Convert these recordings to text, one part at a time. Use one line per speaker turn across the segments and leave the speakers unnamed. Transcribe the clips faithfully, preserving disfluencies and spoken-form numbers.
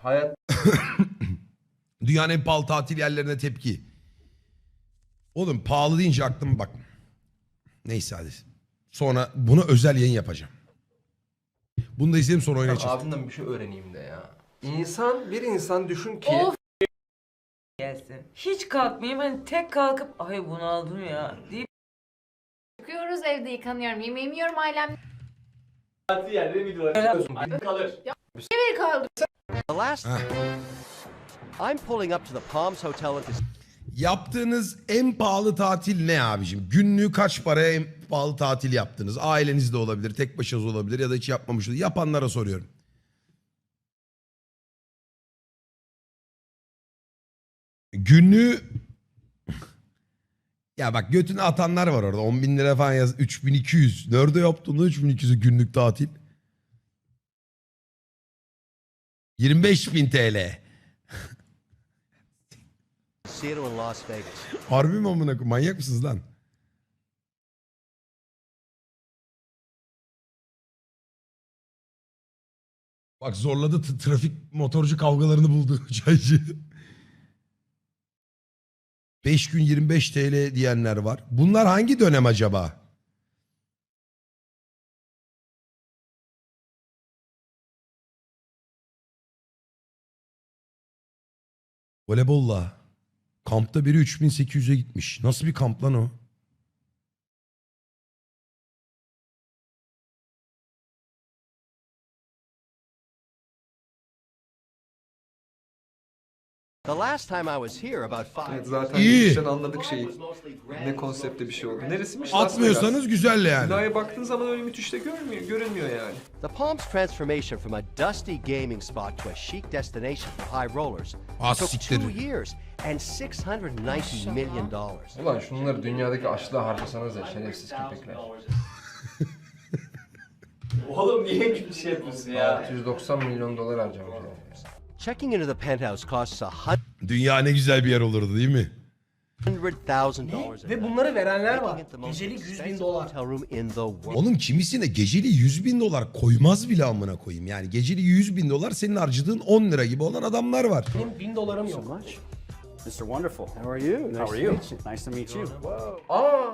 hayat
Dünyanın en pahalı tatil yerlerine tepki. Oğlum pahalı deyince aklıma bak. Neyse hadi. Sonra buna özel yayın yapacağım. Bunu da izleyelim sonra oynayacağız.
abimden bir şey öğreneyim de ya. İnsan, bir insan düşün ki
Of gelsin. Hiç kalkmayayım hani tek kalkıp ay bunaldım ya deyip
Çıkıyoruz, evde yıkanıyorum, yemeğimi yiyorum, ailem
Tatil yerleri videolar kalır.
bir kaldı.
The last, I'm pulling up to the Palms Hotel in Cas-
Yaptığınız en pahalı tatil ne abicim? Günlüğü kaç paraya en pahalı tatil yaptınız? Ailenizde olabilir, tek başınız olabilir ya da hiç yapmamış olabilir. Yapanlara soruyorum. Günlüğü... Ya bak götünü atanlar var orada. on bin lira falan yaz. üç bin iki yüz. Nerede yaptın lan üç bin iki yüzü günlük tatil? yirmi beş bin T L.
Casino in Las Vegas.
Harbi mi amına koyayım? Manyak mısınız lan? Bak zorladı t- trafik motorcu kavgalarını buldu çaycı. beş gün yirmi beş T L diyenler var. Bunlar hangi dönem acaba? Voleybolla. Kampta biri üç bin sekiz yüze gitmiş. Nasıl bir kamp lan o?
The last time I was here about five
Evet,
years
zaten
İyi.
geçmişten anladık şeyi. Ne konsepte bir şey oldu. Neresiymiş? Las Vegas.
Atmıyorsanız güzel yani.
Binaya baktığın zaman öyle müthiş de görmüyor, görünmüyor yani.
The Palms transformation from a dusty gaming spot to a chic destination for high rollers
Ah,
took
siktir.
two years and six hundred ninety million dollars.
Ulan şunları dünyadaki açlığa harcasanız ya şerefsiz köpekler.
Oğlum niye bir şey yapıyorsun ya?
altı yüz doksan milyon dolar harcamış yani.
Checking into the penthouse costs a
Dünya ne güzel bir yer olurdu değil mi?
hundred thousand dollars.
Ve bunları verenler var. Gecelik yüz bin dolar.
Hotel room in the world.
Oğlum kimisine geceli yüz bin dolar koymaz bile amına koyayım. Yani geceli yüz bin dolar senin harcadığın on lira gibi olan adamlar var.
Benim bin dolarım yok.
Mister Wonderful. How are you? Nice
How are
to
you?
meet you. Nice to meet you.
Aa!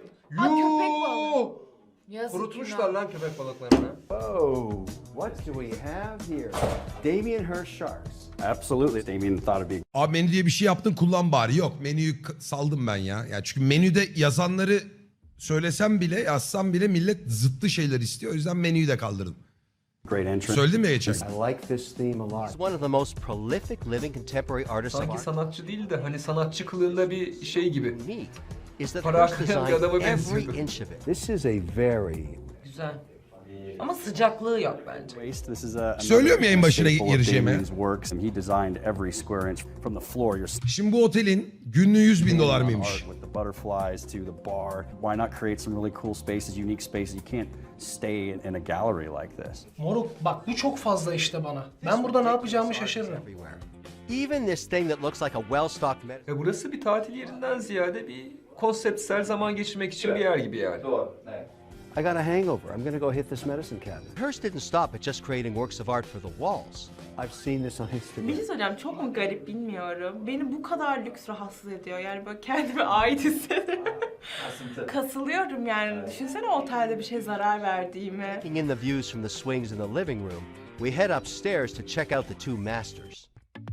köpek
Yuuu!
Yazık
Kurutmuşlar lan köpek balıklarını.
Oh, what do we have here? Damien Hirst Sharks. Absolutely. Damien thought it'd be
Abi menü diye bir şey yaptın kullan bari. Yok menüyü k- saldım ben ya. Ya çünkü menüde yazanları söylesem bile yazsam bile millet zıttı şeyler istiyor. O yüzden menüyü de kaldırdım.
a great entrance.
Söyledim ya geçen.
I like this theme a lot.
He's one of the most prolific living contemporary artists of
Sanki
art.
sanatçı değil de hani sanatçı kılığında bir şey gibi.
Unique is that
Para
Hirst
aklayan bir adama
designed every
benziyordu.
inch of it.
This is a very
güzel. Ama sıcaklığı yok bence.
waste. This is a
Söylüyorum yayın başına
staple of
gireceğime.
Damien's works, and he designed every square inch from the floor. You're
Şimdi bu otelin günlüğü yüz bin dolar mıymış?
art with the butterflies to the bar. Why not create some really cool spaces, unique spaces? You can't stay in, in a gallery like this.
Moruk bak bu çok fazla işte bana. Ben burada ne yapacağımı şaşırırım.
Everywhere. Even this thing that looks like a well-stocked medical
E burası bir tatil yerinden ziyade bir konseptsel zaman geçirmek için bir yer gibi yani.
Doğru. Evet.
I got a hangover. I'm gonna go hit this medicine cabinet.
Hirst didn't stop at just creating works of art for the walls.
I've seen this on
Bir
Instagram.
şey söyleyeceğim, çok mu garip bilmiyorum. Beni bu kadar lüks rahatsız ediyor. Yani böyle kendime ait hissediyorum.
Kasıntı.
Kasılıyorum yani. Düşünsene otelde bir şey zarar verdiğimi.
Taking in the views from the swings in the living room, we head upstairs to check out the two masters.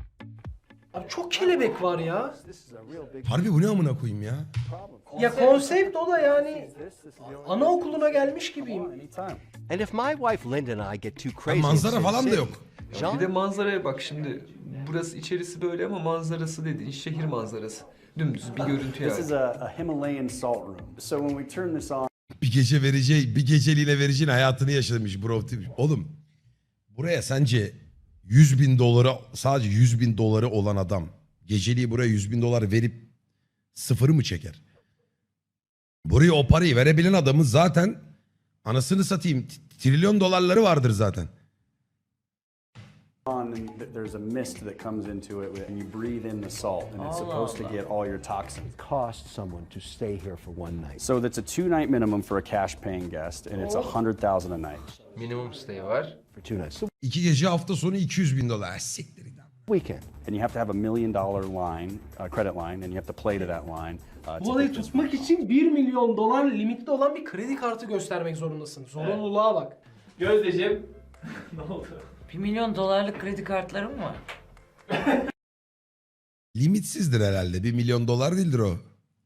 Abi çok kelebek var ya.
Harbi bu ne amına koyayım ya?
Ya konsept o da yani anaokuluna gelmiş gibiyim.
Anytime.
And if my wife Linda and I get too
Ha,
crazy in
manzara
Sin
falan da
City,
yok.
Jean
Bir de manzaraya bak şimdi. Burası içerisi böyle ama manzarası dediğin şehir manzarası. Dümdüz bir görüntü
This is
yani.
a, a Himalayan salt room. So when we turn this on,
Bir gece vereceği, bir geceliğine vereceğin hayatını yaşamış bro. Oğlum buraya sence yüz bin dolara sadece yüz bin doları olan adam geceliği buraya yüz bin dolar verip sıfırı mı çeker? Buraya o parayı verebilen adamın zaten anasını satayım t- trilyon dolarları vardır zaten.
on and th- there's a mist that comes into it, and you breathe in the salt, and it's supposed to get all your toxins.
cost someone to stay here for one night.
So that's a two-night minimum for a cash-paying guest, and it's a hundred thousand a night.
Minimum stay var.
For two nights. So
İki gece hafta sonu iki yüz bin dolar. Ha, siktir.
weekend.
And you have to have a million dollar line, uh, credit line, and you have to play to that line. Uh,
Bu
to
olayı
get this
tutmak için bir milyon dolar limitli olan bir kredi kartı göstermek zorundasın. Zorunluluğa bak.
Gözdeciğim. Ne oldu?
Bir milyon dolarlık kredi kartlarım mı var?
Limitsizdir herhalde. Bir milyon dolar değildir o.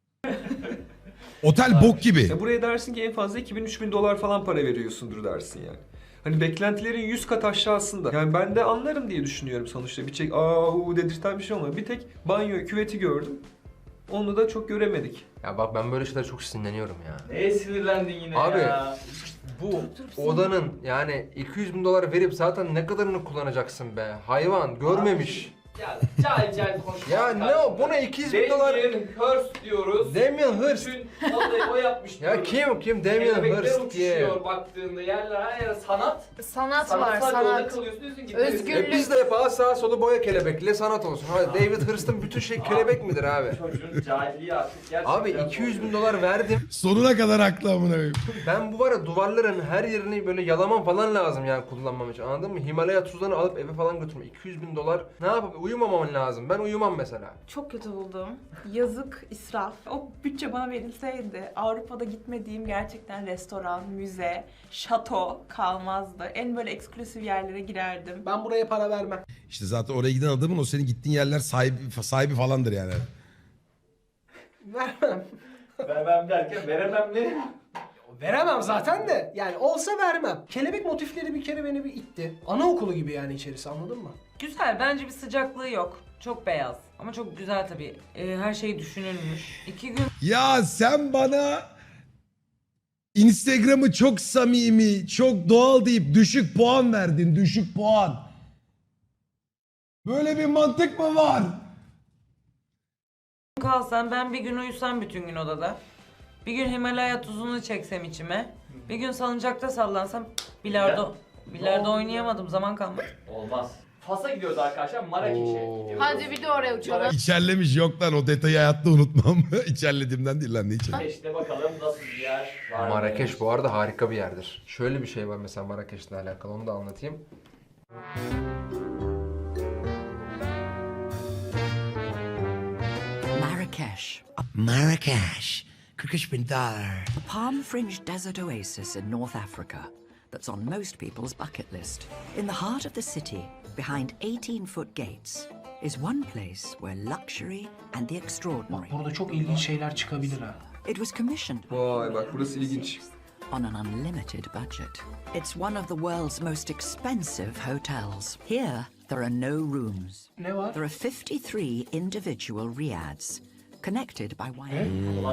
Otel bok gibi.
Ya buraya dersin ki en fazla iki bin üç bin dolar falan para veriyorsundur dersin yani. Hani beklentilerin yüz kat aşağısında. Yani ben de anlarım diye düşünüyorum sonuçta. Bir çek aa u dedirten bir şey olmadı. Bir tek banyo, küveti gördüm. Onu da çok göremedik.
Ya bak ben böyle şeyler çok sinirleniyorum ya.
Neye sinirlendin yine
Abi,
ya?
Bu odanın yani iki yüz bin dolar verip zaten ne kadarını kullanacaksın be? Hayvan görmemiş.
Ya cahil cahil konuşma.
Ya ne o? Buna iki yüz bin dolar...
Damien Hirst diyoruz.
Damien Hirst.
Bütün odayı o yapmış
Ya
diyoruz.
kim kim Damien
Kelebekler
Hirst diye.
uçuşuyor baktığında yerler her yer sanat.
Sanat var,
Sanatsal yolda
sanat.
kalıyorsun diyorsun ki.
Özgürlük.
E biz de yapalım sağa solu boya kelebekle sanat olsun. Hadi David Hurst'ın bütün şey kelebek midir abi?
Çocuğun cahilliği artık gerçekten.
Abi iki yüz bin dolar verdim.
Sonuna kadar haklı amına koyayım.
Ben bu var ya duvarların her yerini böyle yalamam falan lazım yani kullanmam için, anladın mı? Himalaya tuzlarını alıp eve falan götürme. iki yüz bin dolar ne yapıp uyumamam lazım. Ben uyumam mesela.
Çok kötü buldum. Yazık, israf. O bütçe bana verilseydi Avrupa'da gitmediğim gerçekten restoran, müze, şato kalmazdı. En böyle eksklusif yerlere girerdim.
Ben buraya para vermem.
İşte zaten oraya giden adamın o senin gittiğin yerler sahibi, sahibi falandır yani.
Vermem.
Vermem derken veremem ne?
Veremem zaten de. Yani olsa vermem. Kelebek motifleri bir kere beni bir itti. Anaokulu gibi yani içerisi, anladın mı?
Güzel, bence bir sıcaklığı yok. Çok beyaz ama çok güzel tabii. Ee, her şey düşünülmüş. İki gün
Ya sen bana Instagram'ı çok samimi, çok doğal deyip düşük puan verdin. Düşük puan. Böyle bir mantık mı var?
kalsam, ben bir gün uyusam bütün gün odada. Bir gün Himalaya tuzunu çeksem içime. Bir gün salıncakta sallansam bilardo. Bilardo oynayamadım, zaman kalmadı.
Olmaz. Fas'a gidiyoruz arkadaşlar, Marrakeş'e
Oo.
gidiyoruz.
Hadi bir de oraya uçalım.
İçerlemiş, yok lan o detayı hayatta unutmam. İçerlediğimden değil lan, ne içer?
Marrakeş'te bakalım nasıl bir yer var.
Marrakeş bu arada harika bir yerdir. Şöyle bir şey var mesela Marrakeş'le alakalı, onu da anlatayım.
Marrakesh,
Marrakeş. kırk üç bin dolar.
a palm-fringed desert oasis in North Africa that's on most people's bucket list. In the heart of the city, behind eighteen-foot gates, is one place where luxury and the extraordinary.
Burada çok ilginç şeyler çıkabilir ha.
It was commissioned
Vay bak burası ilginç.
on an unlimited budget. It's one of the world's most expensive hotels. Here, there are no rooms.
Ne var?
There are fifty-three individual riads, connected by wire.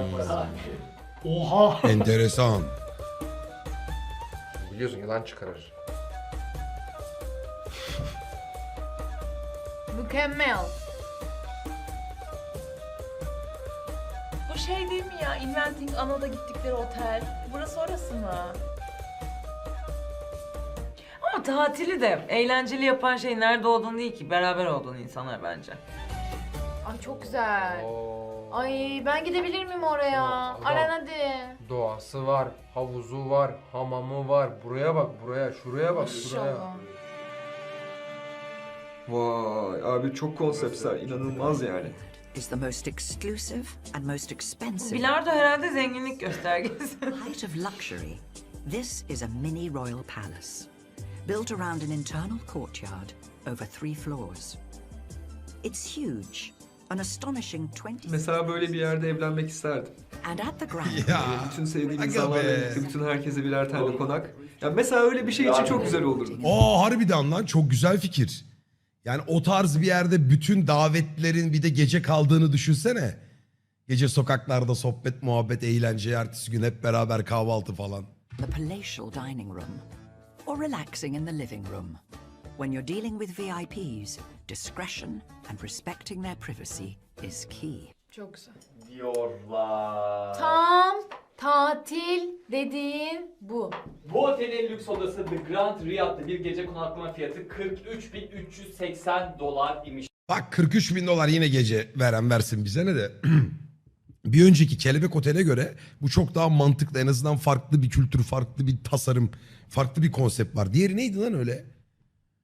Oha!
Enteresan.
Biliyorsun yılan çıkarır.
Mükemmel.
Bu şey değil mi ya? Inventing Ana'da gittikleri otel. Burası orası mı?
Ama tatili de eğlenceli yapan şey nerede olduğun değil ki, beraber olduğun insanlar bence.
Ay çok güzel.
Oo.
Ay ben gidebilir miyim oraya?
Aa,
Aran hadi.
Doğası var, havuzu var, hamamı var. Buraya bak, buraya, şuraya bak, şuraya.
İnşallah.
Vay abi çok konseptsel, inanılmaz yani.
Is the most exclusive and most expensive.
Bilardo herhalde zenginlik göstergesi.
Height of luxury. This is a mini royal palace, built around an internal courtyard over three floors. It's huge, an astonishing twenty.
Mesela böyle bir yerde evlenmek isterdim.
And at the ground,
Ya.
Bütün sevdiğim
Aga
insanlarla
be.
birlikte, bütün herkese birer tane konak. Ya mesela öyle bir şey için çok güzel olurdu.
Aa harbiden lan, çok güzel fikir. Yani o tarz bir yerde bütün davetlilerin bir de gece kaldığını düşünsene. Gece sokaklarda sohbet, muhabbet, eğlence, ertesi gün hep beraber kahvaltı falan.
the palatial dining room, or relaxing in the living room. When you're dealing with V I Ps, discretion and respecting their privacy is key.
Çok güzel.
Diyorlar.
Tam tatil dediğin bu.
Bu otelin en lüks odası The Grand Riyad'da bir gece konaklama fiyatı kırk üç bin üç yüz seksen dolar imiş.
Bak kırk üç bin dolar yine gece veren versin bize ne de. Bir önceki Kelebek Otel'e göre bu çok daha mantıklı. En azından farklı bir kültür, farklı bir tasarım, farklı bir konsept var. Diğeri neydi lan öyle?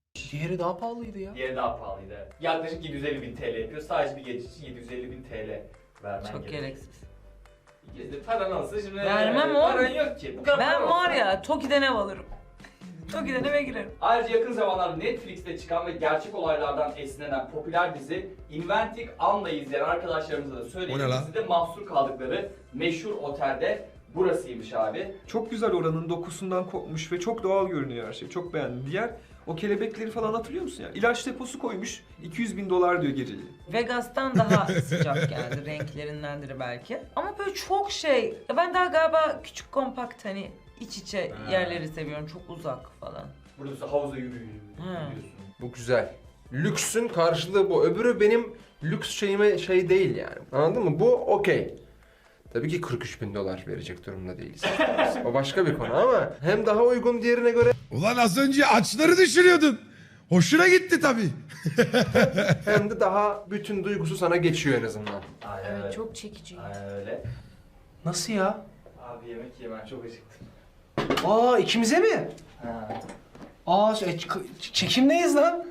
Diğeri daha pahalıydı ya.
Diğeri daha pahalıydı. Evet. Yaklaşık yedi yüz elli bin T L yapıyor. Sadece bir gece için yedi yüz elli bin T L vermen
Çok gereksiz.
gerekiyor. Paran olsa şimdi...
Vermem oğlum.
Paran yok ki. Bu kadar
Ben
paran
var
olsa-
ya Toki'den ev alırım. Toki'den eve girerim.
Ayrıca yakın zamanlarda Netflix'te çıkan ve gerçek olaylardan esinlenen popüler dizi Inventing Anne'ı izleyen arkadaşlarımıza da
O ne
söyleyeyim.
lan?
Dizide mahsur kaldıkları meşhur otelde burasıymış abi.
Çok güzel, oranın dokusundan kopmuş ve çok doğal görünüyor her şey. Çok beğendim. Diğer o kelebekleri falan hatırlıyor musun ya? İlaç deposu koymuş. iki yüz bin dolar diyor geceliği.
Vegas'tan daha sıcak geldi renklerindendir belki. Ama böyle çok şey. Ya ben daha galiba küçük kompakt hani iç içe
Ha.
yerleri seviyorum. Çok uzak falan.
Burada havuza yürüyor.
Ha.
Bu güzel. Lüksün karşılığı bu. Öbürü benim lüks şeyime şey değil yani. Anladın mı? Bu okey. Tabii ki kırk üç bin dolar verecek durumda değiliz. O başka bir konu ama hem daha uygun diğerine göre
Ulan az önce açları düşürüyordun. Hoşuna gitti tabii.
hem de daha bütün duygusu sana geçiyor en azından.
Aynen öyle.
Evet çok çekici.
Aynen öyle.
Nasıl ya?
Abi yemek yemem çok acıktım.
Aa ikimize mi?
Ha.
Aa e, ç- çekimdeyiz lan.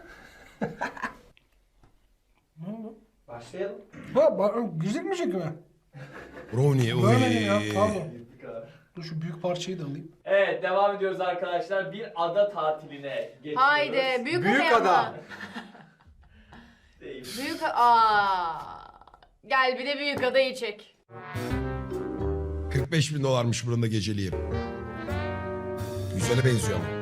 Ne oldu?
Başlayalım.
Ha ba- müzik mi çekimi?
Brownie.
Görmedim ya pardon.
Bu kadar.
Dur şu büyük parçayı da alayım.
Evet devam ediyoruz arkadaşlar. Bir ada tatiline geçiyoruz.
Haydi büyük,
Büyük
adaya
ada.
mı?
Değil.
Büyük aa. Gel bir de büyük adayı çek.
kırk beş bin dolarmış buranın da geceliği. Güzele benziyor ama.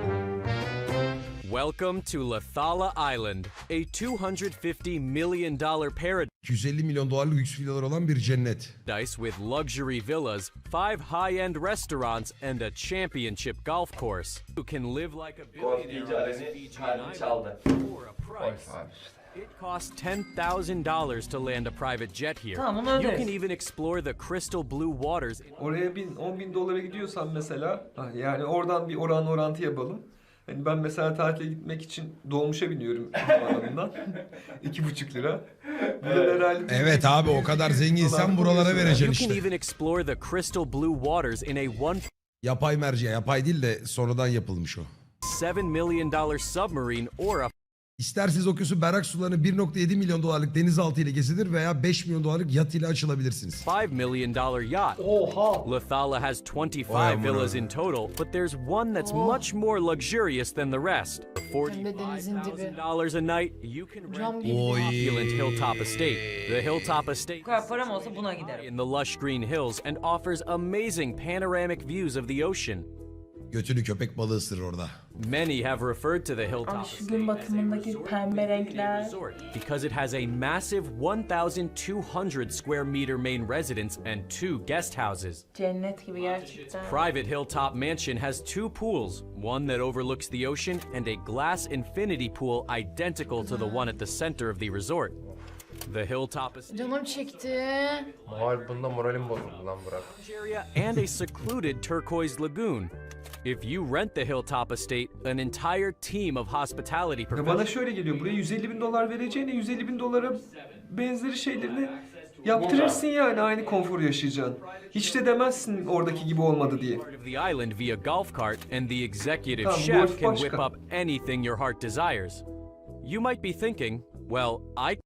Welcome to Lathala Island, a two hundred fifty million dollars paradise
iki yüz elli milyon dolarlık lüks villalar olan bir cennet.
with luxury villas, five high-end restaurants, and a championship golf course. You can live like a
Golf deyince
billionaire on this
Aren'i
Fijian
kalbim
island
çaldı.
for a price. It costs ten thousand dollars to land a private jet here.
Tamam, onu
You
öderiz.
can even explore the crystal blue waters.
Oraya bin, on bin dolara gidiyorsan mesela, ah, yani oradan bir oran orantı yapalım. Hani ben mesela tatile gitmek için dolmuşa biniyorum havaalanından. İki buçuk lira. Burada herhalde...
Evet abi o kadar zenginsen buralara
You
vereceksin
can
işte.
even explore the crystal blue waters in a one
Yapay merceğe. Yapay değil de sonradan yapılmış o.
point seven million dollars submarine or a
İsterseniz okyanusun berrak sularını bir nokta yedi milyon dolarlık denizaltı ile gezilir veya beş milyon dolarlık yat ile açılabilirsiniz.
five million dollars yacht.
Oha.
Lathala has twenty-five
Vay amına.
villas in total, but there's one that's
Oh.
much more luxurious than the rest. For
Hem de denizin
forty-five
dibi.
thousand dollars a night, you can
Cam
rent
gibi.
the
Oy.
opulent Hilltop Estate. The Hilltop Estate
Bu kadar param olsa buna giderim.
in the lush green hills and offers amazing panoramic views of the ocean.
Götünü köpek balığı ısırır orada.
Many have referred to the Hilltop
Ay, şu
Estate
gün
as a
batımındaki
resort
pembe
within a
renkler.
resort because it has a massive one thousand two hundred square meter main residence and two guest houses.
Cennet gibi gerçekten.
Private Hilltop Mansion has two pools, one that overlooks the ocean and a glass infinity pool identical to the one at the center of the resort. The Hilltop Estate
Canım çekti.
Moral bunda moralim bozuldu lan Burak.
area and a secluded turquoise lagoon. If you rent the Hilltop Estate, an entire team of hospitality
Ya bana
professionals
şöyle geliyor, buraya yüz elli bin dolar vereceğine yüz elli bin dolara benzeri şeylerini yaptırırsın yani, aynı konforu yaşayacaksın. Hiç de demezsin oradaki gibi olmadı diye.
part of the island via golf cart, and the executive
Tamam,
chef
golf
can
başka.
whip up anything your heart desires. You might be thinking, well, I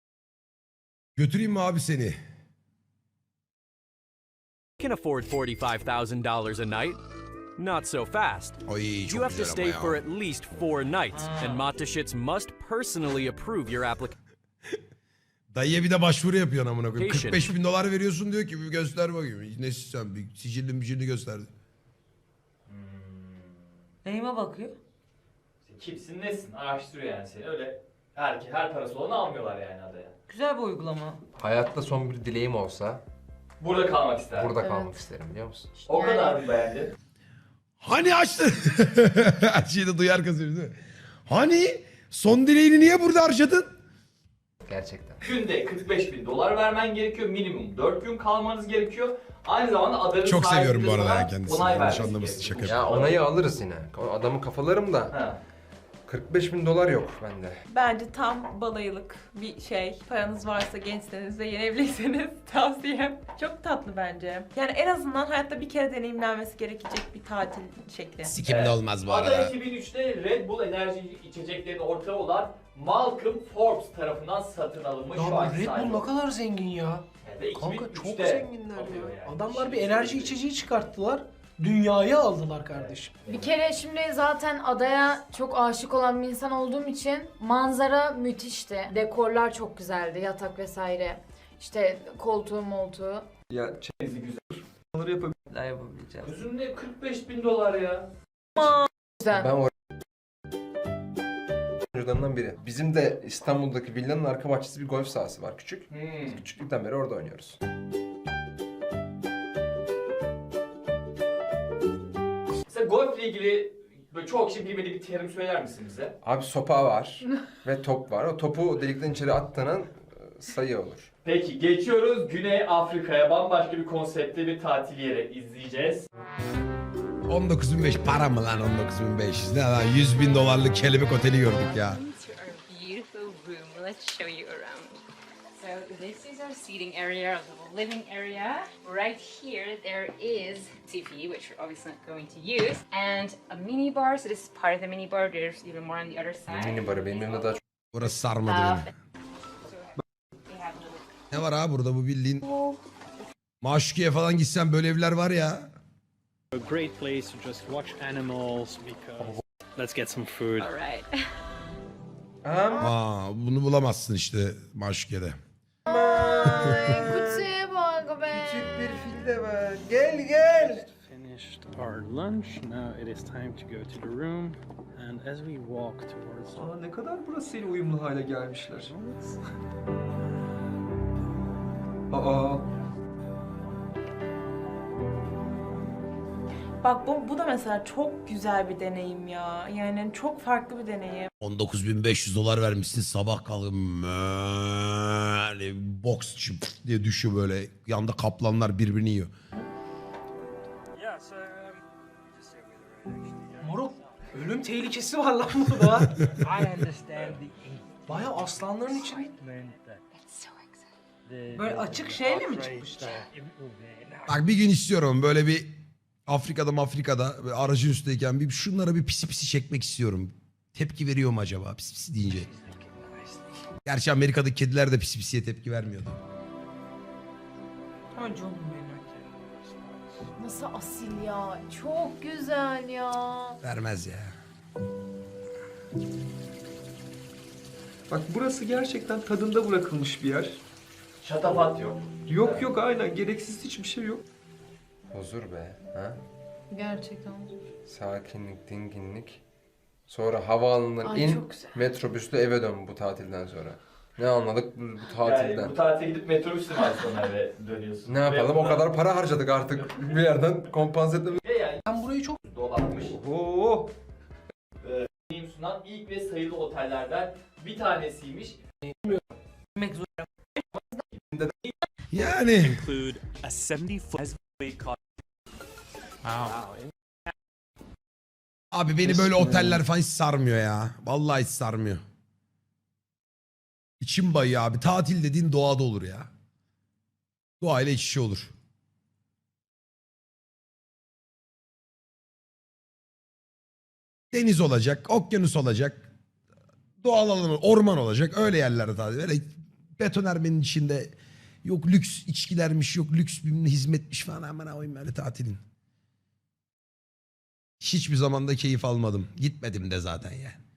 Götüreyim mi abi seni?
can afford forty-five thousand dollars a night. Not so fast.
Ay çok
You have to
güzel
stay
ama
for
ya.
at least four nights, and Matashits must personally approve your application.
Dayıya bir de başvuru yapıyorsun amına koyayım. kırk beş bin dolar veriyorsun diyor ki bir göster bakayım. Ne sen bir sicilli micilli gösterdi.
Neyime bakıyor?
Kimsin nesin araştırıyor yani seni öyle. Her, her parası olanı almıyorlar yani adaya.
Güzel bir uygulama.
Hayatta son bir dileğim olsa
Burada kalmak ister.
burada
Evet.
kalmak isterim biliyor musun?
O
Yani-
kadar mı beğendin?
Hani açtı? Her şeyi de duyar kazıyor değil mi? Hani son dileğini niye burada harcadın?
Gerçekten.
Günde kırk beş bin dolar vermen gerekiyor. Minimum dört gün kalmanız gerekiyor. Aynı zamanda adanın
Çok
sahibi
seviyorum
de
bu arada
sana
ya kendisini.
onay
Yanlış
vermesi
anlamasın,
gerekiyor.
şaka
Ya onayı alırız yine. O adamı kafalarım da
Ha.
kırk beş bin dolar yok bende.
Bence tam balayılık bir şey. Paranız varsa, gençseniz ve yeni evliyseniz tavsiyem. Çok tatlı bence. Yani en azından hayatta bir kere deneyimlenmesi gerekecek bir tatil şekli.
Sikimde olmaz bu
Ada
arada.
iki bin üçte Red Bull enerji içeceklerinin ortağı olan Malcolm Forbes tarafından satın alınmış.
Ya
şu
bu
anki
Red
sahibi.
Bull ne kadar zengin ya.
Ve
Kanka çok
iki bin üçte
zenginler
satıyor
ya.
yani.
Adamlar bir
Şimdi
enerji
söyleyeyim.
içeceği çıkarttılar. Dünyayı aldılar kardeşim.
Bir kere şimdi zaten adaya çok aşık olan bir insan olduğum için manzara müthişti. Dekorlar çok güzeldi, yatak vesaire. İşte koltuğu moltuğu.
Ya
Denizi güzel.
onları yapabilir.
Neler yapabileceğiz.
Gözünde kırk beş bin dolar ya.
Güzel.
Ben o oyuncularından biri. Bizim de İstanbul'daki villanın arka bahçesi bir golf sahası var küçük.
Hmm.
Küçüklükten beri orada oynuyoruz.
Mesela golfle ilgili böyle çok kişi bilmediği bir terim söyler misin bize?
Abi sopa var ve top var. O topu delikten içeri attığının e, sayı olur.
Peki geçiyoruz Güney Afrika'ya. Bambaşka bir konseptte bir tatil yeri izleyeceğiz.
on dokuz bin beş yüz para mı lan on dokuz bin beş yüz? Ne lan yüz bin dolarlık kelebek oteli gördük ya.
Beautiful room. Let's show you around. So this is our seating area, our little living area. Right here there is T V, which we're obviously not going to use, and a mini bar. So this is part of the mini bar. There's even more on the other side.
Mini barı benim evimde daha çok.
Burası sarmadı beni.
We have a little
Ne var ha burada bu bildiğin? Maşukiye falan gitsen böyle evler var ya.
A great place to just watch animals because let's get some food.
All right.
Aa, bunu bulamazsın işte Maşukiye'de.
Ay kutuya bak be.
Küçük bir fil de var. Gel gel.
Finished our lunch. Now it is time to go to the room. And as we walk towards
Aa, ne kadar burasıyla uyumlu hale gelmişler. Aa.
Bak bu, bu da mesela çok güzel bir deneyim ya. Yani çok farklı bir deneyim.
on dokuz bin beş yüz dolar vermişsin sabah kalkıp böyle boks diye düşüyor böyle. Yanda kaplanlar birbirini yiyor.
Moruk ölüm tehlikesi var lan burada. Baya aslanların için.
Böyle açık şeyle mi çıkmışlar?
Bak bir gün istiyorum böyle bir Afrika'da Afrika'da böyle aracın üstteyken bir şunlara bir pisi pisi çekmek istiyorum. Tepki veriyor mu acaba pisi pisi deyince? Gerçi Amerika'daki kediler de pisi pisiye tepki vermiyordu.
Ama canım benim.
Nasıl asil ya. Çok güzel ya.
Vermez ya.
Bak burası gerçekten tadında bırakılmış bir yer.
Şatafat yok.
Yok yok aynen gereksiz hiçbir şey yok.
Huzur be. Ha?
Gerçekten.
Sakinlik, dinginlik. Sonra havaalanından
Ay,
in,
çok güzel.
metrobüsle eve dön bu tatilden sonra. Ne anladık bu, bu tatilden?
Yani bu tatile gidip metrobüsle mi sonra eve dönüyorsun?
Ne yapalım?
Ve
O kadar para harcadık artık. Bir yerden kompanse etmemiz.
Ve yani
Ben burayı çok
dolanmış.
Oo.
Deneyim sunan ilk ve sayılı otellerden bir tanesiymiş.
Yemek zor.
Yani
Include a seventy foot
abi beni böyle oteller falan hiç sarmıyor ya. Vallahi hiç sarmıyor. İçim bayıyor abi. Tatil dediğin doğada olur ya. Doğayla iç içe olur. Deniz olacak, okyanus olacak. Doğal alan, orman olacak. Öyle yerlerde tatil. Böyle betonarmenin içinde yok lüks içkilermiş, yok lüks bir hizmetmiş falan. Aman koyayım böyle tatilin. Hiçbir zamanda keyif almadım. Gitmedim de zaten yani.